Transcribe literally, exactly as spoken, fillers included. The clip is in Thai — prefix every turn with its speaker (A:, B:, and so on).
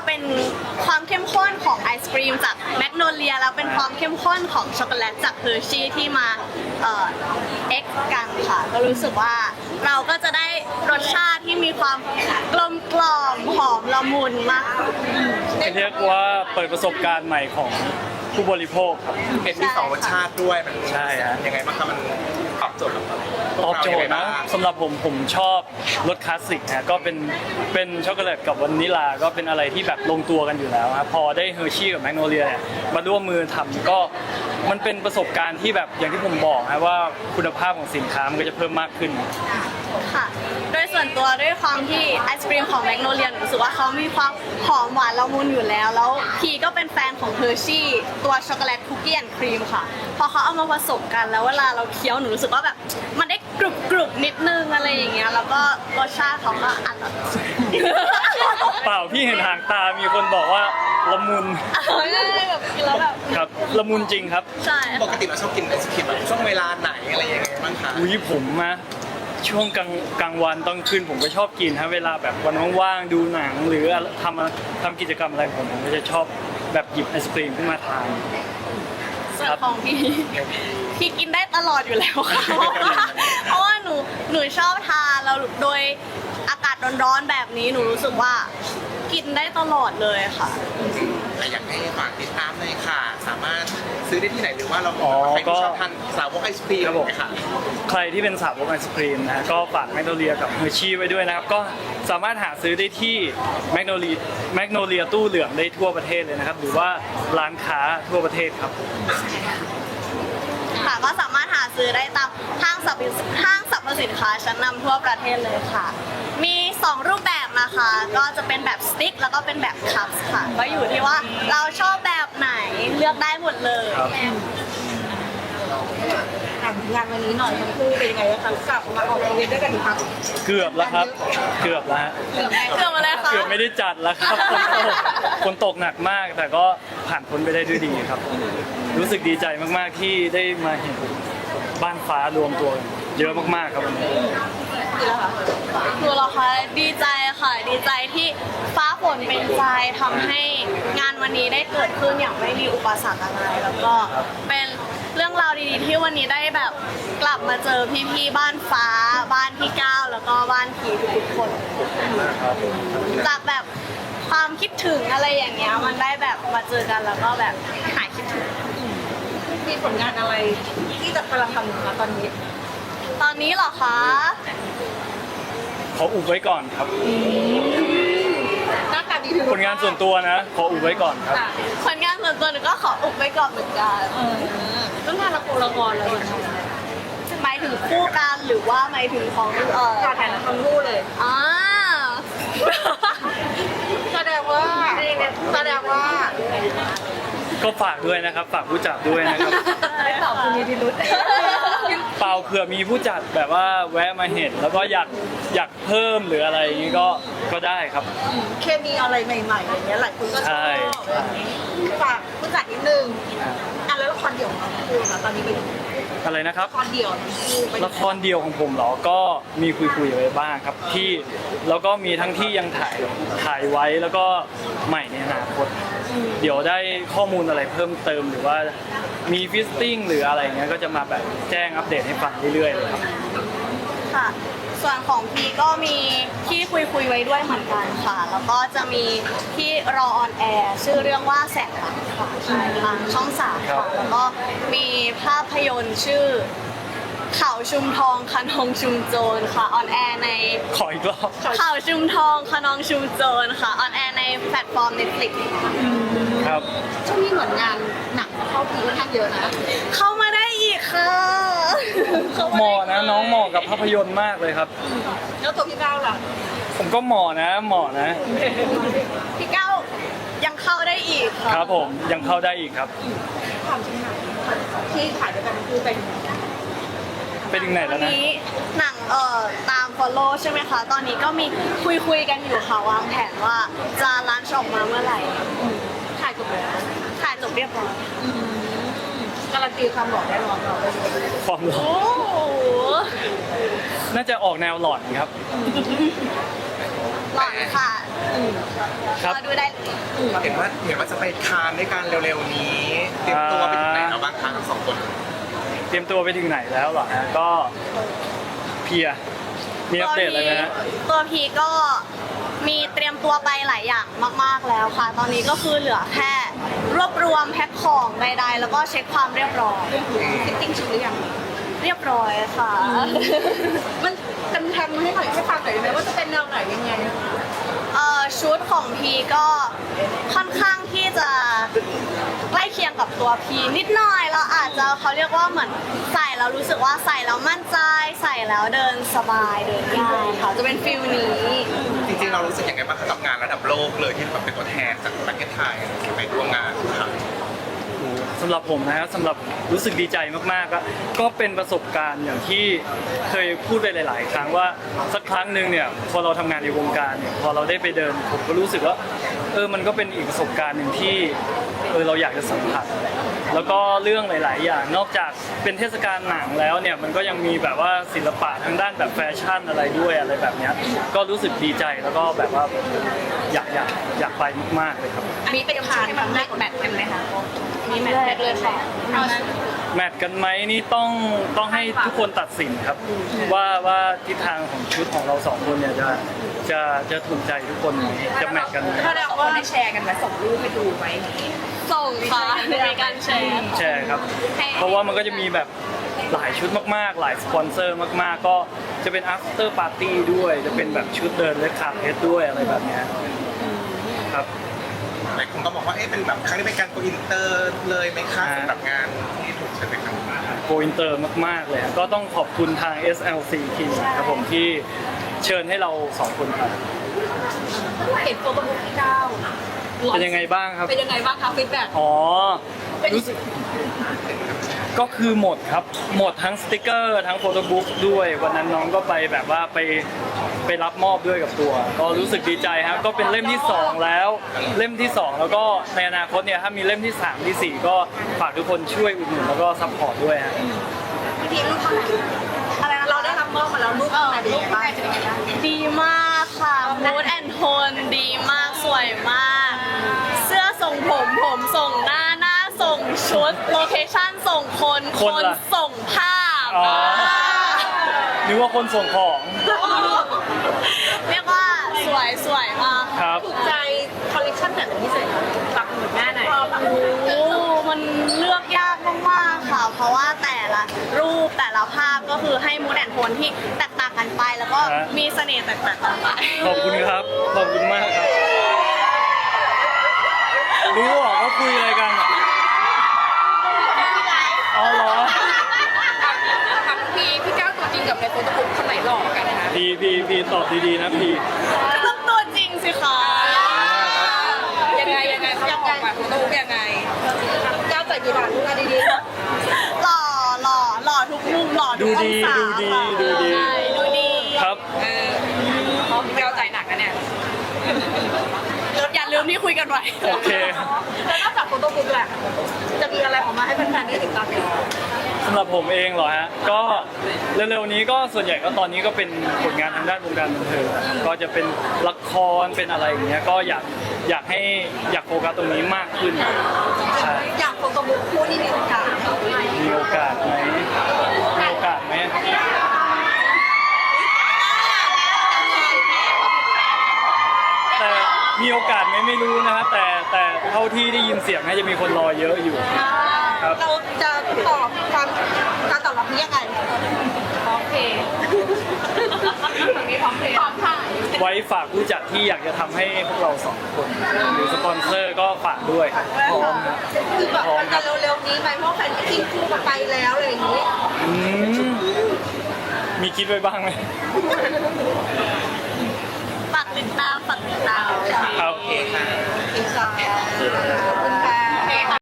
A: เป็นความเข้มข้นของไอศกรีมจากแมกโนเลียแล้วเป็นความเข้มข้นของช็อกโกแลตจากเฮอร์ชี่ที่มาเอ่อเอ็กกันค่ะก็รู้สึกว่าเราก็จะได้รสชาติที่มีความกลมกล่อมหอมละมุนมาก
B: เรียกว่าเปิดประสบการณ์ใหม่ของผู้บริโภคครับ
C: เห็นมีสองรสชาติด้วยมัน
B: ใช่ฮะ
C: ยังไงบ้างครับมันตอบโจทย์กับเรา
B: ตอบโจทย์นะสำหรับผมผมชอบรสคลาสสิกนะก็เป็นเป็นช็อกโกแลตกับวานิลาก็เป็นอะไรที่แบบลงตัวกันอยู่แล้วครับพอได้เฮอร์ชี่กับแมกโนเลียเนี่ยมาร่วมมือทำก็มันเป็นประสบการณ์ที่แบบอย่างที่ผมบอกนะว่าคุณภาพของสินค้ามันก็จะเพิ่มมากขึ้น
A: ค่ะโดยส่วนตัวด้วยความที่ไอศกรีมของแมกโนเลียรู้สึกว่าเขามีความหอมหวานละมุนอยู่แล้วแล้วพีก็เป็นแฟนของเฮอร์ชี่ตัวช็อกโกแลตคุกกี้แอนด์ครีมค่ะพอเขาเอามาผสมกันแล้วเวลาเราเคี้ยวหนูรู้สึกว่าแบบมันได้กรุบกรุบนิดนึงอะไรอย่างเงี้ยแล้วก็รสชาติเขาก็อร่อย
B: เปล่าพี่เห็นหางตามีคนบอกว่าละมุน
A: แบบกินแล้วแบบ
B: ครับละมุนจริงครับ
A: ใช่
C: ปกติเราชอบกินไอศครีมแบบช่วงเวลาไหนอะไรยังไงบ้างคะ
B: อุ้ยผมนะช่วงกลางกลางวันตอนคืนผมก็ชอบกินฮะเวลาแบบวันว่างๆดูหนังหรือทำทำกิจกรรมอะไรผมผมก็จะชอบแบบหยิบไอศกรีมขึ้นมาทาน
A: ส่วนของพี่พี่กินได้ตลอดอยู่แล้วค่ะเพราะว่าหนูหนูชอบทานแล้วโดยอากาศร้อนๆแบบนี้หนูรู้สึกว่ากินได้ตลอดเลยค่ะ
C: อยากให้ฝากติดตามเลยค่ะสามารถซื้อได้ที่ไหนหรือว่าเราใครที่ชอบทานสาวกไอศครีมค่ะ
B: ใครที่เป็นสาวกไอศครีมนะก็ฝากแมกโนเลียกับเฮอร์ชี่ไว้ด้วยนะครับก็สามารถหาซื้อได้ที่แมกโนเลียแมกโนเลียตู้เหลืองได้ทั่วประเทศเลยนะครับหรือว่าร้านค้าทั่วประเทศครับ
A: ค่ะก็สามารถหาซื้อได้ตามห้างสรรพห้างสรรพสินค้าชั้นนำทั่วประเทศเลยค่ะมีสองรูปแบบนะคะก็จะเป็นแบบสติ๊กแล้วก็เป็นแบบคัพค่ะก็อยู่ที่ว่าเราชอบแบบไหนเลือกได้หมดเลย
D: ถามงานวันนี้หน่อยทั้งคู่เป็นยังไงบ้างคะกลับมาออกอีเวนต์ด้วยกันอีกครั้ง
B: เกือบแล้วครับเกือบแล้ว
A: เกือบมาแล้วค่ะ
B: เกือบไม่ได้จัดแล้วครับฝนตกฝนตกหนักมากแต่ก็ผ่านพ้นไปได้ด้วยดีครับรู้สึกดีใจมากๆที่ได้มาเห็นบ้านฟ้ารวมตัวเยอะมากๆครับวันนี้
A: คือเราคะดีใจค่ะดีใจที่ฟ้าฝนเป็นใจทำให้งานวันนี้ได้เกิดขึ้นอย่างไม่มีอุปสรรคอะไรแล้วก็เป็นเรื่องราวดีๆที่วันนี้ได้แบบกลับมาเจอพี่ๆบ้านฟ้าบ้านพี่ก้าวแล้วก็บ้านพีทุกคนจากแบบความคิดถึงอะไรอย่างเงี้ยมันได้แบบมาเจอกันแล้วก็แบบหายคิดถึง
D: มีผลงานอะไรที่จะกำลังทำอยู่คะตอนนี้
A: ตอนนี้เหรอคะ
B: ขออุบไว้ก่อนครับ
D: หน้าตาดี
B: ผลงานส่วนตัวนะขออุบไว้ก่อนครับ
A: ผลงานส่วนตัวหนูก็ขออุบไว้ก่อนเหมือนกัน
D: เรื่องงานละครละครอะไรแบบนี้
A: หมายถึงคู่กันหรือว่าหมายถึงของเอ่อ
D: การถ่ายละครคู่เลย
A: อ่า
D: แสดงว่าแสดงว่า
B: ก็ฝากด้วยนะครับฝากผู้จัดด้วยนะครับ
D: ไม่ตอบคุณมีพิรุธ
B: เปล่าเผื่อมีผู้จัดแบบว่าแวะมาเห็นแล้วก็อยากอยากเพิ่มหรืออะไรอย่างนี้ก็ก็ได้ครับ
D: เคมีอะไรใหม่ๆอย่างเงี้ยหลายคนก็ชอบฝากผู้จัดนิดนึงอ่ะแล้วละครเดี่ยวของคุณนะตอนนี้เป็น
B: อะไรนะครับ
D: ละครเดี่ยว
B: ละครเดี่ยวของผมเหรอก็มีคุยๆไว้บ้างครับที่แล้วก็มีทั้งที่ยังถ่ายถ่ายไว้แล้วก็ใหม่ในอนาคตเดี๋ยวได้ข้อมูลอะไรเพิ่มเติมหรือว่ามีฟิสติ้งหรืออะไรเงี้ยก็จะมาแบบแจ้งอัปเดตให้ฟังเรื่อยๆเลยครับ
A: ค่ะส่วนของพีก็มีที่คุยคุยไว้ด้วยเหมือนกันค่ะแล้วก็จะมีที่รอออนแอร์ชื่อเรื่องว่าแสงรักค่ะทางช่องสามค่ะแล้วก็มีภาพยนตร์ชื่อเขาชุมทองขนองชุมโจรค่ะออนแอร์ใน
B: ขออีกรอบ
A: เขาชุมทองขนองชุมโจรค่ะออนแอร์ในแพลตฟอร์ม Netflix
B: ครับ
D: ช่วงนี้เหมือนงานหนักเข้าพีค่อนข้างเยอะนะ
A: เข้ามาได้อีกค่ะ
B: เหมาะนะน้องเหมาะกับภาพยนตร์มากเลยครับ
D: แล้วตัวพี่ก้าวล่ะ
B: ผมก็เหมาะนะเหมาะนะ
A: พี่ก้าวยังเข้าได้อีกค่ะ
B: ครับผมยังเข้าได้อีกครับ
D: ความจริงหนังที่ถ่ายด้วยกันคือเป็น
B: ไปถึงไหนแล้วนะ
A: หนังเอ่อตาม follow ใช่ไหมคะตอนนี้ก็มีคุยคุยกันอยู่ค่ะวางแผนว่าจะลันช์ออกมาเมื่อไหร่
D: ถ่ายจบแล้ว
A: ถ่ายจบเรียบร้อย
D: การันตีความหล่อได้รอเรา
B: ความหล่อน่าจะออกแนวหลอนครับ
A: หลอนค่ะ
B: ครับ
A: รอดูได้เลย
C: เห็นว่าเห็นว่าจะไปคานด้วยกันเร็วๆนี้ เตรียมตัวไปถึงไหนแล้วบ้างคะทั้งสองคน
B: เตรียมตัวไปถึงไหนแล้วเหรอฮะก็เพลียมีอัปเดตอะไรไหมฮะ
A: ตัวพีก็มีเตรียมตัวไปหลายอย่างมากๆแล้วค่ะ ตอนนี้ก็คือเหลือแค่รวบรวมแพ็คของใดๆแล้วก็เช็คความเรียบร้อย
D: ฟิตติ้งชุดหรือยัง
A: เรียบร้อยค่ะ
D: มันกันแทนให้หน่อยให้ฟังหน่อยได้ไหมว่าจะเป็นแนวไหนยังไง
A: เอ่อชุดของพีก็ค่อนข้างที่จะใกล้เคียงกับตัวพีนิดหน่อยเราอาจจะเขาเรียกว่าเหมือนใส่แล้วรู้สึกว่าใส่แล้วมั่นใจใส่แล้วเดินสบายเดินง่ายค่ะจะเป็นฟิลนี้
C: จริงๆเรารู้สึกยังไงบ้างกับงานระดับโลกเลยที่แบบเป็นตัวแทนจากประเทศไทยไปร่วมงานค่ะ
B: สำหรับผมนะครับสำหรับรู้สึกดีใจมากๆก็ก็เป็นประสบการณ์อย่างที่เคยพูดไปหลาย ๆ ครั้งว่าสักครั้งหนึ่งเนี่ยพอเราทำงานในวงการเนี่ยพอเราได้ไปเดินผมก็รู้สึกว่าเออมันก็เป็นอีกประสบการณ์หนึ่งที่เออเราอยากจะสัมผัสแล้วก็เรื่องหลาย ๆ อย่างนอกจากเป็นเทศกาลหนังแล้วเนี่ยมันก็ยังมีแบบว่าศิลปะทางด้านแบบแฟชั่นอะไรด้วยอะไรแบบเนี้ยก็รู้สึกดีใจแล้วก็แบบว่าอยากอยากอยากไปมาก ๆ เลยครับ
D: อันนี้เป็นผ่านครั้งแรกแบทกันไหมคะ
A: มีแมทแรกเลยค่ะ
B: แมทกันไหมนี่ต้องต้องให้ทุกคนตัดสินครับ ว่าว่าทิศทางของชุดของเราสองคนเนี่ยจะจะจะถูกใจทุกคนไหมจะแมทกันไหม
D: ถ้าเราว่าได้แชร์กันไหมส่งรูปไปดูไหม
A: ส่งค่ะในการแชร์
B: แชร์ครับ เพราะว่ามันก็จะมีแบบหลายชุดมากๆ หลายสปอนเซอร์มากๆ ก็จะเป็น after party ด้วย จะเป็นแบบชุดเดินและคาเพสด้วยอะไรแบบเนี้ยครับ
C: หลายคนก็บอกว่าเอ๊ะเป็นแบบครั้งนี้เป็นการโกอินเตอร์เลยไหมคะสำหรับงานที่ถูกเชิญไปครั้งนี้
B: โกอินเตอร์มากๆเลยก็ต้องขอบคุณทาง เอส แอล ซี ที ครับผมที่เชิญให้เราสองคนไป
D: เห็นโฟโต้บุ๊กที่เก้า
B: เป็นยังไงบ้างครับ
D: เป็นยังไงบ้างคะฟีดแบ็ก
B: อ๋อรู้สึกก็คือหมดครับ หมดทั้งสติกเกอร์ทั้งโฟโต้บุ๊กด้วย วันนั้นน้องก็ไปแบบว่าไปไปรับมอบด้วยกับตัว ก็รู้สึกดีใจครับก็เป็นเล่มที่สองแล้วเล่มที่สองแล้วก็ในอนาคตเนี่ยถ้ามีเล่มที่สามที่สี่ก็ฝากทุกคนช่วยอุดหนุนแล้วก็ซัพพอร์ตด้วยฮะ
D: พี่พีรูปเท่าไหร่อะไรนะเราได้รับมอบมาแล้วรูปเท่าไหร่เป็นยังไงบ้าง
A: ดีมากค่ะมูดแอนโทนดีมากสวยมาก เสื้อส่งผมผมส่งหน้าหน้าส่งชุดโลเคชั่นส่งคน
B: คนล่ะ
A: ส่งภาพ
B: อ๋อ นึกว่าคนส่งของ
A: เรียกว่าสวยสวยมาก
B: ครับ
D: ถูกใจคอลเลคชันแบบพิเศษปักหมุดหน้าไหน
A: โอ้มันเลือกยากมากๆค่ะ เพราะว่าแต่ละรูปแต่ละภาพก็คือให้มูดแอนโทนที่แตกต่างกันไป แล้วก็
B: ฮะ
A: มีเสน่ห์แตกต่างกันไป
B: ขอบคุณครับ ขอบคุณมากครับ รู้เหรอเขาคุยอะไรกันอะอ๋อเหรอ
D: ถามพี่พี่ก้าวตัวจริงกับในโฟโต้บุ๊กคนไหนหล่อกันคะ
B: พีพีพีตอบดีๆนะพี
A: ต้องตัวจริงสิคะ
D: ยังไงยังไงเขาบอกมาโฟโต้บุ๊กยังไงก้าวใส่กี่บาทดูกันดีๆ
A: หล่อหล่อหล่อทุกมุมหล่อทุ
B: ดู
A: กอง
B: ดี
A: ศา
B: ดูดี
A: ค่ะ
B: ดูดี
A: ใช่ดูดี
B: ครับ
D: เออพี่ก้าวใจหนักนะเนี่ย
A: อย่าลืมที่คุยกันไว้
B: โอเค
D: แล้วนอกจากโฟโต้บุ๊กแหละจะมีอะไรออกมาให้แฟนๆได้ติดตามอีก
B: สำหรับผมเองเหรอฮะ ก็เร็วๆนี้ก็ส่วนใหญ่ก็ตอนนี้ก็เป็นผลงานทางด้านวงการบันเทิงก็จะเป็นละครเป็นอะไรอย่างเงี้ย ก็อยากอยากให้อยากโฟกัสตรงนี้มากขึ้นใช่
D: อยากโฟโต้บุ๊กคู่ที่มีโอกาส
B: มีโอกาสไหมมีโอกาสไหมแต่มีโอกาสไหมไม่รู้นะฮะแต่แต่เท่าที่ได้ยินเสียงน่าจะมีคนรอเยอะอยู่ครับ
D: เราจะตอบความการตอบรับนี้ยังไงพร้อมเพย์มีพร้อมเพย์พร้อมค่ะ
B: ไว้ฝากผู้จัดที่อยากจะทำให้พวกเราสองคนหรือสปอนเซอร์ก็ฝากด้วยพร้อมครับ
D: คือแบบมันจะเร็วๆนี้ไหมเพราะแฟนก็ทิ้งคู่กันไปแล้วอะไรอย่างนี้
B: อืมมีคิดไว้บ้างไหม
A: ฝากติดตามฝากติดตาม
B: ครับ
C: โอเคค่ะ
D: อีกสาม